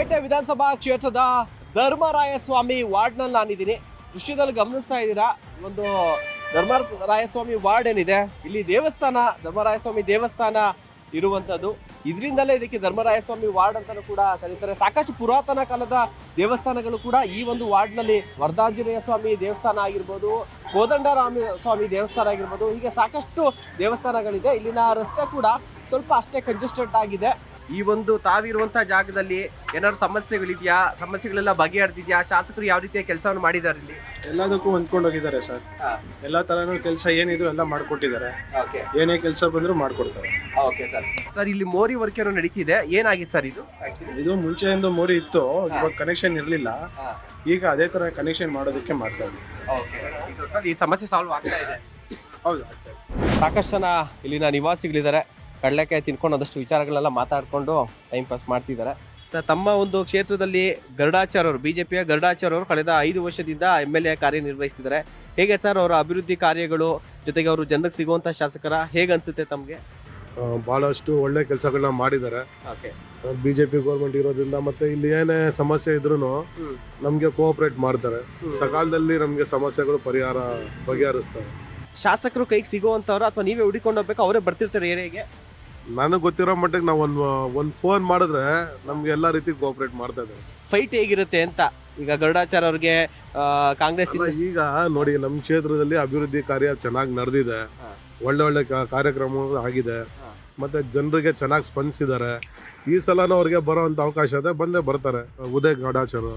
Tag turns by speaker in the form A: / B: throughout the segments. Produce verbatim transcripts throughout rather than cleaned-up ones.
A: ಚಿಕ್ಕಪೇಟೆ ವಿಧಾನಸಭಾ ಕ್ಷೇತ್ರದ ಧರ್ಮರಾಯಸ್ವಾಮಿ ವಾರ್ಡ್ನಲ್ಲಿ ನಾನಿದ್ದೀನಿ. ದೃಶ್ಯದಲ್ಲಿ ಗಮನಿಸ್ತಾ ಇದ್ದೀರಾ, ಒಂದು ಧರ್ಮರಾಯಸ್ವಾಮಿ ವಾರ್ಡ್ ಏನಿದೆ, ಇಲ್ಲಿ ದೇವಸ್ಥಾನ, ಧರ್ಮರಾಯಸ್ವಾಮಿ ದೇವಸ್ಥಾನ ಇರುವಂತದ್ದು. ಇದರಿಂದಲೇ ಇದಕ್ಕೆ ಧರ್ಮರಾಯಸ್ವಾಮಿ ವಾರ್ಡ್ ಅಂತಾನೂ ಕೂಡ ಕರೀತಾರೆ. ಸಾಕಷ್ಟು ಪುರಾತನ ಕಾಲದ ದೇವಸ್ಥಾನಗಳು ಕೂಡ ಈ ಒಂದು ವಾರ್ಡ್ ನಲ್ಲಿ, ವರದಾಂಜನೇಯ ಸ್ವಾಮಿ ದೇವಸ್ಥಾನ ಆಗಿರ್ಬೋದು, ಕೋದಂಡರಾಮ ಸ್ವಾಮಿ ದೇವಸ್ಥಾನ ಆಗಿರ್ಬೋದು, ಹೀಗೆ ಸಾಕಷ್ಟು ದೇವಸ್ಥಾನಗಳಿದೆ. ಇಲ್ಲಿನ ರಸ್ತೆ ಕೂಡ ಸ್ವಲ್ಪ ಅಷ್ಟೇ ಕಂಜೆಸ್ಟೆಡ್ ಆಗಿದೆ. ಈ ಒಂದು ತಾವಿರುವಂತಹ ಜಾಗದಲ್ಲಿ ಏನಾದ್ರು ಸಮಸ್ಯೆಗಳಿದೆಯಾ, ಸಮಸ್ಯೆಗಳೆಲ್ಲ ಬಗೆಹರಿದಿದ್ಯಾ, ಶಾಸಕರು ಯಾವ ರೀತಿಯ ಕೆಲಸವನ್ನು ಮಾಡಿದ್ದಾರೆ ಇಲ್ಲಿ?
B: ಎಲ್ಲದಕ್ಕೂ ಹೊಂದ್ಕೊಂಡು ಹೋಗಿದ್ದಾರೆ ಸರ್. ಎಲ್ಲಾ ತರನೂ ಕೆಲಸ ಏನಿದ್ರು ಎಲ್ಲ ಮಾಡ್ಕೊಟ್ಟಿದ್ದಾರೆ. ಏನೇ ಕೆಲಸ ಬಂದ್ರು ಮಾಡ್ಕೊಡ್ತಾರೆ.
A: ಸರ್, ಇಲ್ಲಿ ಮೋರಿ ವರ್ಕ್ ಏನೋ ನಡೀತಿದೆ, ಏನಾಗಿದೆ ಸರ್ ಇದು?
B: ಇದು ಮುಂಚೆಯಿಂದ ಮೋರಿ ಇತ್ತು, ಇವಾಗ ಕನೆಕ್ಷನ್ ಇರ್ಲಿಲ್ಲ. ಈಗ ಅದೇ ತರ ಕನೆಕ್ಷನ್ ಮಾಡೋದಕ್ಕೆ ಮಾಡ್ತಾ ಇದ್ದೀವಿ.
A: ಈ ಸಮಸ್ಯೆ ಸಾಲ್ವ್ ಆಗ್ತಾ ಇದೆ.
B: ಹೌದು,
A: ಸಾಕಷ್ಟು ಜನ ಇಲ್ಲಿನ ನಿವಾಸಿಗಳಿದ್ದಾರೆ. ಕಡಲೆಕಾಯಿ ತಿನ್ಕೊಂಡು ಅದಷ್ಟು ವಿಚಾರಗಳೆಲ್ಲ ಮಾತಾಡ್ಕೊಂಡು ಟೈಮ್ ಪಾಸ್ ಮಾಡ್ತಿದ್ದಾರೆ. ಸರ್, ತಮ್ಮ ಒಂದು ಕ್ಷೇತ್ರದಲ್ಲಿ ಗರುಡಾಚಾರ್ಯ ಅವರು, ಬಿಜೆಪಿಯ ಗರುಡಾಚಾರ್ಯ ಅವರು ಕಳೆದ ಐದು ವರ್ಷದಿಂದ ಎಮ್ ಎಲ್ ಎ ಕಾರ್ಯನಿರ್ವಹಿಸ್ತಿದ್ದಾರೆ. ಹೇಗೆ ಸರ್ ಅವರ ಅಭಿವೃದ್ಧಿ ಕಾರ್ಯಗಳು, ಜೊತೆಗೆ ಅವರು ಜನರಿಗೆ ಸಿಗುವಂತ ಶಾಸಕರ, ಹೇಗೆ ಅನ್ಸುತ್ತೆ ತಮಗೆ?
C: ಬಹಳಷ್ಟು ಒಳ್ಳೆ ಕೆಲಸಗಳನ್ನ ಮಾಡಿದ್ದಾರೆ. ಬಿಜೆಪಿ ಗೌರ್ಮೆಂಟ್ ಇರೋದ್ರಿಂದ ಮತ್ತೆ ಇಲ್ಲಿ ಏನೇ ಸಮಸ್ಯೆ ಇದ್ರು ನಮ್ಗೆ ಕೋಆಪರೇಟ್ ಮಾಡ್ತಾರೆ. ಸಕಾಲದಲ್ಲಿ ನಮ್ಗೆ ಸಮಸ್ಯೆಗಳು ಪರಿಹಾರ ಬಗೆಹರಿಸ್ತಾರೆ.
A: ಶಾಸಕರು ಕೈಗೆ ಸಿಗುವಂತವ್ರು ಅಥವಾ ನೀವೇ ಹುಡುಕೊಂಡು ಹೋಗ್ಬೇಕು, ಅವರೇ ಬರ್ತಿರ್ತಾರೆ ಏರಿಯಾಗೆ?
C: ನನಗೆ ಗೊತ್ತಿರೋ ಮಟ್ಟಿಗೆ ನಾವು ಒಂದು ಒಂದು ಫೋನ್ ಮಾಡಿದ್ರೆ ನಮ್ಗೆ ಎಲ್ಲಾ ರೀತಿ ಕೋಆಪರೇಟ್ ಮಾಡ್ತಾ ಇದ್ದಾರೆ.
A: ಫೈಟ್ ಹೇಗಿರುತ್ತೆ ಅಂತ ಈಗ ಗರುಡಾಚಾರ್ಯ ಅವ್ರಿಗೆ ಕಾಂಗ್ರೆಸ್
C: ಈಗ ನೋಡಿ, ನಮ್ಮ ಕ್ಷೇತ್ರದಲ್ಲಿ ಅಭಿವೃದ್ಧಿ ಕಾರ್ಯ ಚೆನ್ನಾಗಿ ನಡೆದಿದೆ. ಒಳ್ಳೆ ಒಳ್ಳೆ ಕಾರ್ಯಕ್ರಮ ಆಗಿದೆ. ಮತ್ತೆ ಜನರಿಗೆ ಚೆನ್ನಾಗಿ ಸ್ಪಂದಿಸಿದ್ದಾರೆ. ಈ ಸಲನೂ ಅವ್ರಿಗೆ ಬರೋಂಥ ಅವಕಾಶ ಇದೆ, ಬಂದೇ ಬರ್ತಾರೆ ಉದಯ್ ಗರುಡಾಚಾರ್ಯ.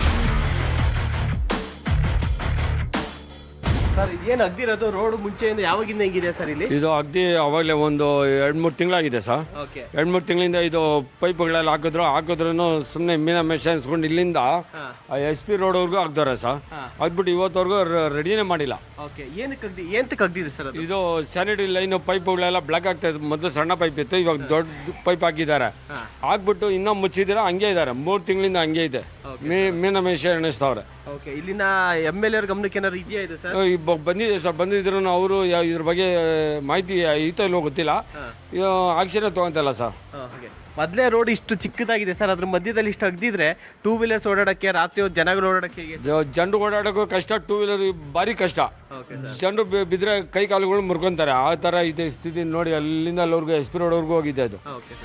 A: ಸರ್, ಇದೇನು ಅಗ್ದಿರೋದು ರೋಡ್ ಮುಂಚೆಯಿಂದ ಯಾವಾಗಿಂದ ಹೆಂಗಿದೆ ಸರ್ ಇಲ್ಲಿ?
D: ಇದು ಅಗ್ದಿ ಅವಾಗಲೇ ಒಂದು ಎರಡು ಮೂರು ತಿಂಗಳಾಗಿದೆ ಸರ್. ಎರಡು ಮೂರು ತಿಂಗಳಿಂದ ಇದು ಪೈಪ್ಗಳೆಲ್ಲ ಹಾಕಿದ್ರು ಹಾಕಿದ್ರು ಸುಮ್ಮನೆ ಮೀನ ಮೆಷ ಅನ್ಸ್ಕೊಂಡು ಇಲ್ಲಿಂದ ಎಸ್ ಪಿ ರೋಡ್ವರೆಗೂ ಹಾಕ್ದವ್ರೆ ಸರ್. ಹಾಕ್ಬಿಟ್ಟು ಇವತ್ತವರೆಗೂ ರೆಡಿನೇ ಮಾಡಿಲ್ಲ.
A: ಏನಕ್ಕೆ ಅಗ್ದಿದೆ ಸರ್?
D: ಇದು ಸ್ಯಾನಿಟರಿ ಲೈನ್ ಪೈಪ್ಗಳೆಲ್ಲ ಬ್ಲಾಕ್ ಆಗ್ತಾ ಇತ್ತು. ಮೊದಲು ಸಣ್ಣ ಪೈಪ್ ಇತ್ತು, ಇವಾಗ ದೊಡ್ಡ ಪೈಪ್ ಹಾಕಿದ್ದಾರೆ. ಹಾಕ್ಬಿಟ್ಟು ಇನ್ನೂ ಮುಚ್ಚಿದಿರ ಹಂಗೆ ಇದ್ದಾರೆ. ಮೂರು ತಿಂಗಳಿಂದ ಹಂಗೆ ಇದೆ. ಮೀ ಮೀನ ಮೆಷ ಎಣಿಸ್ತವ್ರೆ.
A: ಇಲ್ಲಿನ ಎಮ್ ಎಲ್ ಎ ಗಮನಕ್ಕೆ ಏನಾದ್ರು ಇದೆಯಾ ಇದು ಸರ್?
D: ಬಂದಿದೆ ಸರ್, ಬಂದಿದ್ರು ಅವರು ಇದ್ರ ಬಗ್ಗೆ ಮಾಹಿತಿ ಐತೋ ಇಲ್ಲೋ ಗೊತ್ತಿಲ್ಲ. ಆಕ್ಷನ್ ತಗೊಂತಲ್ಲ ಸರ್.
A: ಮೊದಲೇ ರೋಡ್ ಇಷ್ಟು ಚಿಕ್ಕದಾಗಿದೆ ಸರ್, ಅದ್ರ ಮಧ್ಯದಲ್ಲಿ ಇಷ್ಟು ಅಗ್ದಿದ್ರೆ ಟೂ ವೀಲರ್ಸ್ ಓಡಾಡಕ್ಕೆ, ರಾತ್ರಿ ಹೊತ್ತು ಜನಗಳು ಓಡಾಡಕ್ಕೆ,
D: ಜನರು ಓಡಾಡೋಕ್ಕೂ ಕಷ್ಟ, ಟೂ ವೀಲರ್ ಭಾರಿ ಕಷ್ಟ. ಜನರು ಬಿದ್ರೆ ಕೈ ಕಾಲುಗಳು ಮುರ್ಕೊಂತಾರೆ. ಆ ತರ ಇದೆ ಸ್ಥಿತಿ ನೋಡಿ. ಅಲ್ಲಿಂದ ಅಲ್ಲಿವರೆಗೂ ಎಸ್ ಪಿ ರೋಡ್ವರೆಗೂ ಹೋಗಿದೆ ಅದು.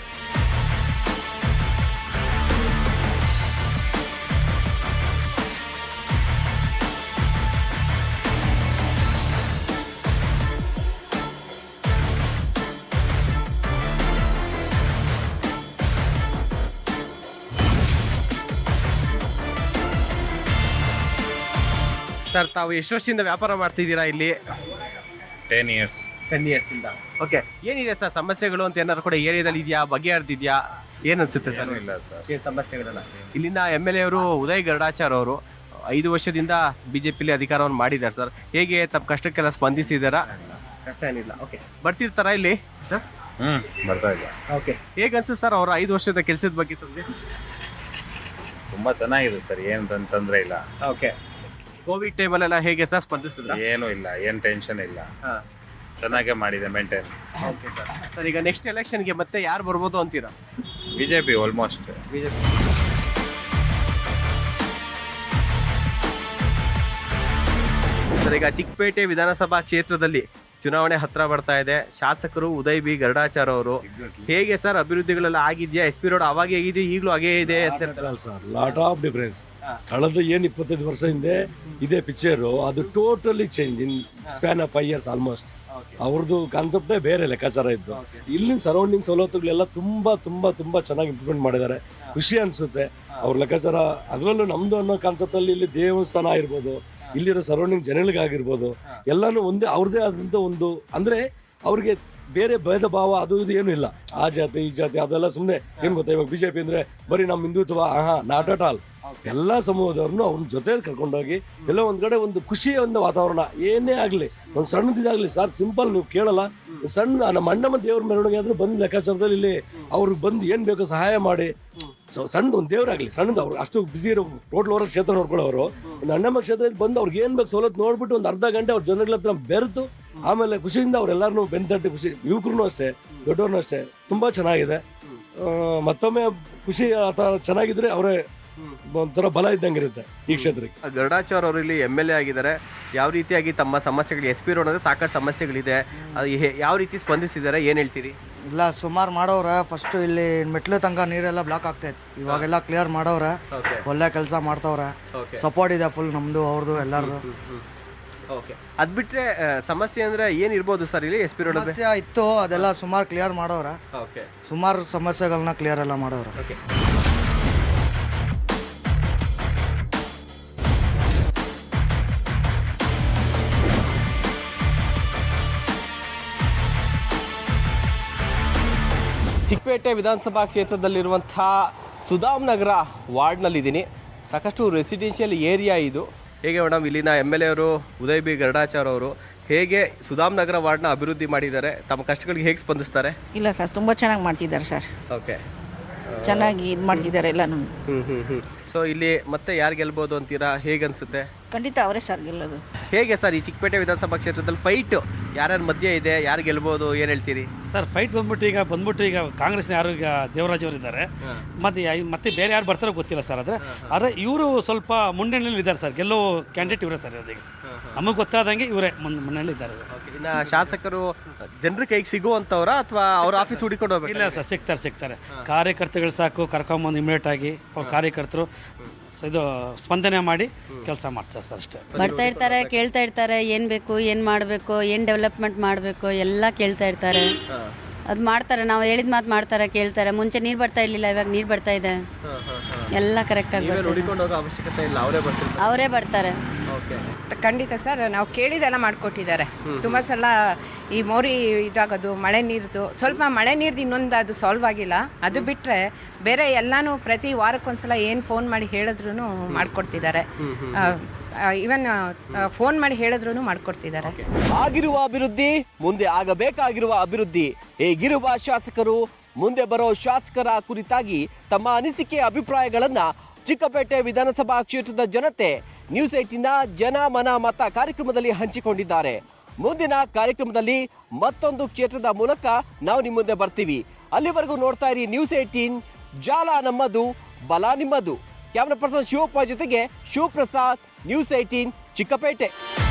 A: ಸರ್, ತಾವು ಎಷ್ಟು ವರ್ಷದಿಂದ ವ್ಯಾಪಾರ ಮಾಡ್ತಿದ್ದೀರಾ ಇಲ್ಲಿ?
E: ಟೆನ್ ಇಯರ್ಸ್
A: ಟೆನ್ ಇಯರ್ಸ್ ಇಂದ. ಓಕೆ, ಏನಿದೆ ಸರ್ ಸಮಸ್ಯೆಗಳು ಅಂತ ಏನಾದ್ರು ಕೂಡ ಏರಿಯಾದಲ್ಲಿ ಇದೆಯಾ, ಬಗೆಹರಿದಿದ್ಯಾ, ಏನ್ ಅನ್ಸುತ್ತೆ ಸರ್?
E: ಇಲ್ಲ ಸರ್,
A: ಏನ್ ಸಮಸ್ಯೆಗಳಲ್ಲ. ಇಲ್ಲಿನ ಎಮ್ ಎಲ್ ಎ ಅವರು ಉದಯ್ ಗರುಡಾಚಾರ್ಯ ಅವರು ಐದು ವರ್ಷದಿಂದ ಬಿಜೆಪಿಲಿ ಅಧಿಕಾರವನ್ನು ಮಾಡಿದ್ದಾರೆ ಸರ್. ಹೇಗೆ ತಮ್ಮ ಕಷ್ಟಕ್ಕೆಲ್ಲ ಸ್ಪಂದಿಸಿದಾರ? ಕಷ್ಟ ಏನಿಲ್ಲ. ಓಕೆ, ಬರ್ತಿರ್ತಾರ ಇಲ್ಲಿ ಸರ್?
E: ಹ್ಮ್ ಬರ್ತಾ ಇಲ್ಲ.
A: ಓಕೆ, ಹೇಗೆ ಅನ್ಸುತ್ತೆ ಸರ್ ಅವರ ಐದು ವರ್ಷದ ಕೆಲಸದ ಬಗ್ಗೆ ತಮಗೆ?
E: ತುಂಬಾ ಚೆನ್ನಾಗಿದೆ ಸರ್, ಏನ್ ತೊಂದ್ರೆ ಇಲ್ಲ.
A: ಓಕೆ, ಕೋವಿಡ್ ಟೈಮಲ್ಲೆಲ್ಲ ಹೇಗೆ ಸರ್ ಸ್ಪಂದಿಸಿದ್ರ?
E: ಏನು ಇಲ್ಲ, ಏನ್ ಟೆನ್ಷನ್ ಇಲ್ಲ, ಚೆನ್ನಾಗೇ ಮಾಡಿದೆ ಮೇಂಟೈನ್.
A: Okay sir. ಸರ್, ಈಗ ನೆಕ್ಸ್ಟ್ ಎಲೆಕ್ಷನ್ಗೆ ಮತ್ತೆ ಯಾರು ಬರ್ಬೋದು ಅಂತೀರಾ?
E: BJP almost.
A: ಬಿಜೆಪಿ. ಸರ್, ಈಗ ಚಿಕ್ಕಪೇಟೆ ವಿಧಾನಸಭಾ ಕ್ಷೇತ್ರದಲ್ಲಿ ಚುನಾವಣೆ ಹತ್ರ ಬರ್ತಾ ಇದೆ. ಶಾಸಕರು ಉದಯ್ ಬಿ ಗರುಡಾಚಾರ್ಯ ಅವರು. ಹೇಗೆ ಸರ್ ಅಭಿವೃದ್ಧಿಗಳೆಲ್ಲ ಆಗಿದ್ಯಾ? ಎಸ್ ಪಿ ರೋಡ್ ಅವಾಗ ಹೇಗಿದೆ, ಈಗಲೂ ಹಾಗೇ ಇದೆ ಅಂತ
F: ಸರ್. Lot of difference. ಕಳೆದ ಏನ್ ಇಪ್ಪತ್ತೈದು ವರ್ಷ ಹಿಂದೆ ಇದೇ ಪಿಕ್ಚರು, ಅದು totally change in span of five years almost. ಅವ್ರದ್ದು ಕಾನ್ಸೆಪ್ಟೇ ಬೇರೆ ಲೆಕ್ಕಾಚಾರ ಇತ್ತು. ಇಲ್ಲಿನ ಸರೌಂಡಿಂಗ್ ಸವಲತ್ತುಗಳೆಲ್ಲ ತುಂಬಾ ತುಂಬಾ ತುಂಬಾ ಚೆನ್ನಾಗಿ ಇಂಪ್ರೂವ್ಮೆಂಟ್ ಮಾಡಿದ್ದಾರೆ. ಖುಷಿ ಅನ್ಸುತ್ತೆ ಅವ್ರ ಲೆಕ್ಕಾಚಾರ. ಅದರಲ್ಲೂ ನಮ್ದು ಅನ್ನೋ ಕಾನ್ಸೆಪ್ಟ್ ಅಲ್ಲಿ ಇಲ್ಲಿ ದೇವಸ್ಥಾನ ಆಗಿರ್ಬೋದು, ಇಲ್ಲಿರೋ ಸರೌಂಡಿಂಗ್ ಜನಗಳಿಗಾಗಿರ್ಬೋದು, ಎಲ್ಲಾನು ಒಂದೇ ಅವ್ರದೇ ಆದಂತ ಒಂದು, ಅಂದ್ರೆ ಅವ್ರಿಗೆ ಬೇರೆ ಭೇದ ಭಾವ ಅದು ಇದು ಏನು ಇಲ್ಲ. ಆ ಜಾತಿ ಈ ಜಾತಿ ಅದೆಲ್ಲ ಸುಮ್ಮನೆ. ಏನ್ ಗೊತ್ತಾ, ಇವಾಗ ಬಿಜೆಪಿ ಅಂದ್ರೆ ಬರೀ ನಮ್ಮ ಹಿಂದುತ್ವ, ಆಹಾ, ನಾಟ್ ಅಟ್ ಆಲ್. ಎಲ್ಲಾ ಸಮೂಹದವ್ರನ್ನು ಅವ್ರನ್ನ ಜೊತೆಲಿ ಕರ್ಕೊಂಡೋಗಿ ಎಲ್ಲ ಒಂದ್ ಕಡೆ ಒಂದು ಖುಷಿಯ ಒಂದು ವಾತಾವರಣ. ಏನೇ ಆಗ್ಲಿ, ಒಂದ್ ಸಣ್ಣದಿದಾಗ್ಲಿ ಸರ್, ಸಿಂಪಲ್ ನೀವು ಕೇಳಲ್ಲ, ಸಣ್ಣ ನಮ್ಮ ಅಣ್ಣಮ್ಮ ದೇವ್ರ ಮೆರವಣಿಗೆ ಆದ್ರೂ ಬಂದ್ ಲೆಕ್ಕಾಚಾರದಲ್ಲಿ ಇಲ್ಲಿ ಅವ್ರಿಗೆ ಬಂದು ಏನ್ ಬೇಕೋ ಸಹಾಯ ಮಾಡಿ, ಸಣ್ಣದು ಒಂದು ದೇವ್ರಾಗ್ಲಿ, ಸಣ್ಣದು ಅವ್ರು ಅಷ್ಟು ಬಿಸಿ ಇರೋ ಟೋಟಲ್ ಅವರ ಕ್ಷೇತ್ರ ನೋಡ್ಕೊಳ್ಳೋರು ಒಂದು ಅಣ್ಣಮ್ಮ ಕ್ಷೇತ್ರದಲ್ಲಿ ಬಂದು ಅವ್ರಿಗೆ ಏನ್ ಬೇಕು ಸವಲತ್ತು ನೋಡ್ಬಿಟ್ಟು ಒಂದು ಅರ್ಧ ಗಂಟೆ ಅವ್ರ ಜನಗಳ ಹತ್ರ ಬೆರೆತು ಆಮೇಲೆ ಖುಷಿಯಿಂದ ಅವ್ರೆಲ್ಲಾರು ಬೆನ್ ತಟ್ಟಿ ಖುಷಿ. ಯುವಕರು ಅಷ್ಟೇ, ದೊಡ್ಡವ್ರನ್ನೂ ಅಷ್ಟೇ, ತುಂಬಾ ಚೆನ್ನಾಗಿದೆ. ಮತ್ತೊಮ್ಮೆ ಖುಷಿ ಆತ ಚೆನ್ನಾಗಿದ್ರೆ ಅವರೇ ಒಂಥರ ಬಲ ಇದ್ದಂಗೆ ಇರುತ್ತೆ ಈ ಕ್ಷೇತ್ರಕ್ಕೆ.
A: ಗರುಡಾಚಾರ್ ಅವರು ಇಲ್ಲಿ ಎಮ್ ಎಲ್ ಎ ಆಗಿದ್ದಾರೆ. ಯಾವ ರೀತಿಯಾಗಿ ತಮ್ಮ ಸಮಸ್ಯೆಗಳು ಎಸ್ ಪಿ ರೋಡ್ ಅಂದರೆ ಸಾಕಷ್ಟು ಸಮಸ್ಯೆಗಳಿದೆ, ಅದು ಹೇ- ಯಾವ ರೀತಿ ಸ್ಪಂದಿಸಿದ್ದಾರೆ, ಏನು ಹೇಳ್ತೀರಿ?
G: ಇಲ್ಲ ಸುಮಾರು ಮಾಡವ್ರೆ. ಫಸ್ಟು ಇಲ್ಲಿ ಮೆಟ್ಲು ತನಕ ನೀರೆಲ್ಲ ಬ್ಲಾಕ್ ಆಗ್ತಾಯಿತ್ತು, ಇವಾಗೆಲ್ಲ ಕ್ಲಿಯರ್ ಮಾಡವ್ರೆ. ಒಳ್ಳೆ ಕೆಲಸ ಮಾಡ್ತವ್ರೆ. ಸಪೋರ್ಟ್ ಇದೆ ಫುಲ್ ನಮ್ಮದು ಅವ್ರದ್ದು ಎಲ್ಲರದು.
A: ಓಕೆ, ಅದು ಬಿಟ್ಟರೆ ಸಮಸ್ಯೆ ಅಂದರೆ ಏನಿರ್ಬೋದು ಸರ್ ಇಲ್ಲಿ ಎಸ್ ಪಿ ರೋಡ್?
G: ಸಮಸ್ಯೆ ಇತ್ತು, ಅದೆಲ್ಲ ಸುಮಾರು ಕ್ಲಿಯರ್ ಮಾಡವ್ರೆ.
A: ಓಕೆ,
G: ಸುಮಾರು ಸಮಸ್ಯೆಗಳನ್ನ ಕ್ಲಿಯರ್ ಎಲ್ಲ ಮಾಡವ್ರೆ.
A: ಓಕೆ. ಚಿಕ್ಕಪೇಟೆ ವಿಧಾನಸಭಾ ಕ್ಷೇತ್ರದಲ್ಲಿರುವಂಥ ಸುಧಾಮ್ ನಗರ ವಾರ್ಡ್ನಲ್ಲಿದ್ದೀನಿ. ಸಾಕಷ್ಟು ರೆಸಿಡೆನ್ಷಿಯಲ್ ಏರಿಯಾ ಇದು. ಹೇಗೆ ಮೇಡಮ್, ಇಲ್ಲಿನ ಎಮ್ ಎಲ್ ಎ ಅವರು ಉದಯ್ ಬಿ ಗರುಡಾಚಾರ್ ಅವರು ಹೇಗೆ ಸುಧಾಮ್ ನಗರ ವಾರ್ಡ್ನ ಅಭಿವೃದ್ಧಿ ಮಾಡಿದ್ದಾರೆ, ತಮ್ಮ ಕಷ್ಟಗಳಿಗೆ ಹೇಗೆ ಸ್ಪಂದಿಸ್ತಾರೆ?
H: ಇಲ್ಲ ಸರ್, ತುಂಬ ಚೆನ್ನಾಗಿ ಮಾಡ್ತಿದ್ದಾರೆ ಸರ್.
A: ಓಕೆ,
H: ಚೆನ್ನಾಗಿ ಇದು ಮಾಡ್ತಿದ್ದಾರೆ ಎಲ್ಲನೂ.
A: ಹ್ಞೂ ಹ್ಞೂ ಹ್ಞೂ ಸೊ ಇಲ್ಲಿ ಮತ್ತೆ ಯಾರು ಗೆಲ್ಬೋದು ಅಂತೀರಾ, ಹೇಗೆ ಅನಿಸುತ್ತೆ?
H: ಖಂಡಿತ ಅವರೇ ಸರ್ ಗೆಲ್ಲೋದು.
A: ಹೇಗೆ ಸರ್ ಈ ಚಿಕ್ಕಪೇಟೆ ವಿಧಾನಸಭಾ ಕ್ಷೇತ್ರದಲ್ಲಿ ಫೈಟ್ ಯಾರ್ಯಾರ ಮಧ್ಯೆ ಇದೆ, ಯಾರು ಗೆಲ್ಬೋದು, ಏನು ಹೇಳ್ತೀರಿ?
I: ಸರ್ ಫೈಟ್ ಬಂದ್ಬಿಟ್ಟು ಈಗ ಬಂದ್ಬಿಟ್ಟು ಈಗ ಕಾಂಗ್ರೆಸ್ನ ಯಾರು ಈಗ ದೇವರಾಜ್ ಅವರು ಇದ್ದಾರೆ, ಮತ್ತೆ ಯಾ- ಮತ್ತೆ ಬೇರೆ ಯಾರು ಬರ್ತಾರೋ ಗೊತ್ತಿಲ್ಲ ಸರ್. ಆದರೆ ಆದರೆ ಇವರು ಸ್ವಲ್ಪ ಮುನ್ನಡೆಯಲ್ಲಿ ಇದ್ದಾರೆ ಸರ್, ಗೆಲ್ಲೋ ಕ್ಯಾಂಡಿಡೇಟ್ ಇವರೇ ಸರ್. ಅದಕ್ಕೆ ನಮಗೆ ಗೊತ್ತಾದಂಗೆ ಇವರೇ ಮುನ್ ಮುನ್ನಡೆಯಲ್ಲಿ ಇದ್ದಾರೆ.
A: ಇನ್ನು ಶಾಸಕರು ಜನರ ಕೈಗೆ ಸಿಗುವಂಥವ್ರ ಅಥವಾ ಅವ್ರ ಆಫೀಸ್ ಹುಡುಕೊಂಡು ಹೋಗ್ಬೇಕು?
I: ಇಲ್ಲ ಸರ್, ಸಿಗ್ತಾರೆ ಸಿಗ್ತಾರೆ ಕಾರ್ಯಕರ್ತಗಳು ಸಾಕು ಕರ್ಕೊಂಬಂದು ಇಮಿಡಿಯೇಟ್ ಆಗಿ ಅವ್ರ ಕಾರ್ಯಕರ್ತರು ಸ- ಇದು ಸ್ಪಂದನೆ ಮಾಡಿ ಕೆಲಸ ಮಾಡ್ತಾರೆ ಸರ್, ಅಷ್ಟೇ.
J: ಬರ್ತಾ ಇರ್ತಾರೆ, ಕೇಳ್ತಾ ಇರ್ತಾರೆ ಏನು ಬೇಕು, ಏನು ಮಾಡಬೇಕು, ಏನು ಡೆವಲಪ್ಮೆಂಟ್ ಮಾಡಬೇಕು ಎಲ್ಲ ಕೇಳ್ತಾ ಇರ್ತಾರೆ. ಅದು ಮಾಡ್ತಾರೆ, ನಾವು ಹೇಳಿದ ಮಾತು ಮಾಡ್ತಾರೆ, ಕೇಳ್ತಾರೆ. ಮುಂಚೆ ನೀರು ಬರ್ತಾ ಇರಲಿಲ್ಲ, ಇವಾಗ ನೀರು ಬರ್ತಾ ಇದೆ, ಎಲ್ಲ ಕರೆಕ್ಟಾಗಿ ಬರ್ತಾರೆ.
A: ಹುಡುಕೊಂಡು ಹೋಗೋ ಅವಶ್ಯಕತೆ ಇಲ್ಲ, ಅವರೇ ಬರ್ತಾರೆ.
J: ಅವರೇ ಬರ್ತಾರೆ.
A: ಓಕೆ,
K: ಖಂಡಿತ ಸರ್, ನಾವು ಕೇಳಿದೆಲ್ಲ ಮಾಡಿಕೊಟ್ಟಿದ್ದಾರೆ. ತುಂಬ ಸಲ ಈ ಮೋರಿ ಇದಾಗೋದು, ಮಳೆ ನೀರ್ದು ಸ್ವಲ್ಪ ಮಳೆ ನೀರ್ದು ಇನ್ನೊಂದು ಅದು ಸಾಲ್ವ್ ಆಗಿಲ್ಲ. ಅದು ಬಿಟ್ಟರೆ ಬೇರೆ ಎಲ್ಲನೂ ಪ್ರತಿ ವಾರಕ್ಕೊಂದ್ಸಲ ಏನು ಫೋನ್ ಮಾಡಿ ಹೇಳಿದ್ರು ಮಾಡಿಕೊಡ್ತಿದ್ದಾರೆ. ಇವನ್ ಫೋನ್ ಮಾಡಿ ಹೇಳಿದ್ರು ಮಾಡಿಕೊಡ್ತಿದ್ದಾರೆ.
A: ಆಗಿರುವ ಅಭಿವೃದ್ಧಿ, ಮುಂದೆ ಆಗಬೇಕಾಗಿರುವ ಅಭಿವೃದ್ಧಿ, ಹೇಗಿರುವ ಶಾಸಕರು, ಮುಂದೆ ಬರೋ ಶಾಸಕರ ಕುರಿತಾಗಿ ತಮ್ಮ ಅನಿಸಿಕೆ ಅಭಿಪ್ರಾಯಗಳನ್ನ ಚಿಕ್ಕಪೇಟೆ ವಿಧಾನಸಭಾ ಕ್ಷೇತ್ರದ ಜನತೆ ನ್ಯೂಸ್ ಏಟಿನ ಜನ ಮನ ಮತ ಕಾರ್ಯಕ್ರಮದಲ್ಲಿ ಹಂಚಿಕೊಂಡಿದ್ದಾರೆ. ಮುಂದಿನ ಕಾರ್ಯಕ್ರಮದಲ್ಲಿ ಮತ್ತೊಂದು ಕ್ಷೇತ್ರದ ಮೂಲಕ ನಾವು ನಿಮ್ಮ ಮುಂದೆ ಬರ್ತೀವಿ. ಅಲ್ಲಿವರೆಗೂ ನೋಡ್ತಾ ಇರಿ ನ್ಯೂಸ್ ಏಟೀನ್, ಜಾಲ ನಮ್ಮದು, ಬಲ ನಿಮ್ಮದು. ಕ್ಯಾಮ್ರಾ ಪರ್ಸನ್ ಶಿವಪ್ಪ ಜೊತೆಗೆ ಶಿವಪ್ರಸಾದ್, ನ್ಯೂಸ್ ಏಟೀನ್ ಚಿಕ್ಕಪೇಟೆ.